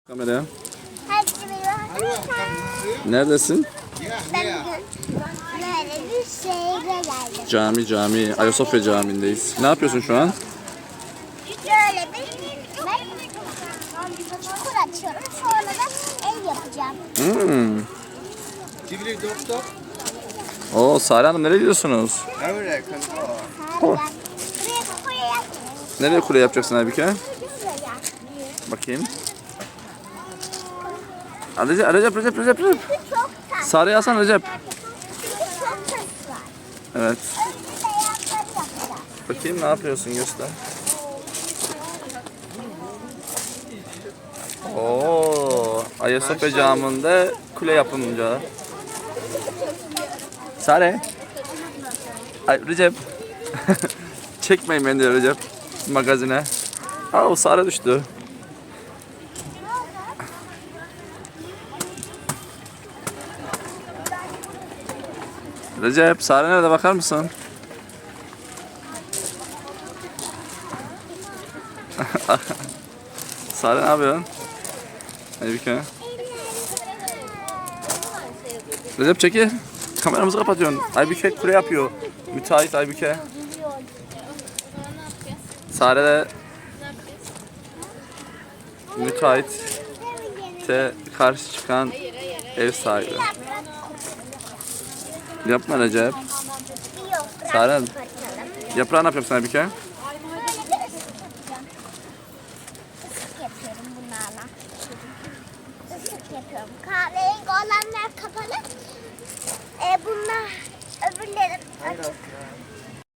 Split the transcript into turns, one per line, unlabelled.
Kameraya.
Herkese merhaba.
Neredesin?
Ben bugün böyle bir şehre geldim.
Cami. Ayasofya Camii'ndeyiz. Ne yapıyorsun şu an?
Böyle ben çukur açıyorum. Sonra da ev yapacağım.
Oo, Sare Hanım nereye gidiyorsunuz?
Buraya
Nereye kule yapacaksın Aybüke?
şuraya.
Bakayım. Recep.
Çok tatlı.
Sare'yi alsana Recep.
Çünkü çok tatlı var.
Evet.
Önce beyazları yapacağım.
Bakayım ne yapıyorsun göster. Oo, Ayasofya Camii'nde kule yapımında. Sare. Ay Recep. Çekmeyin beni diyor Recep. Magazine. Aa, Sare düştü. Recep, Sare nerede bakar mısın? Sare ne yapıyorsun? Aybüke. Recep çekil. Kameramızı kapatıyorsun. Aybüke kule yapıyor. Müteahhit Aybüke. Sare de müteahhite karşı çıkan ev sahibi. Yapma Recep.
Yok,
Sare,
bakalım.
yaprağı ne yapacaksın Aybüke?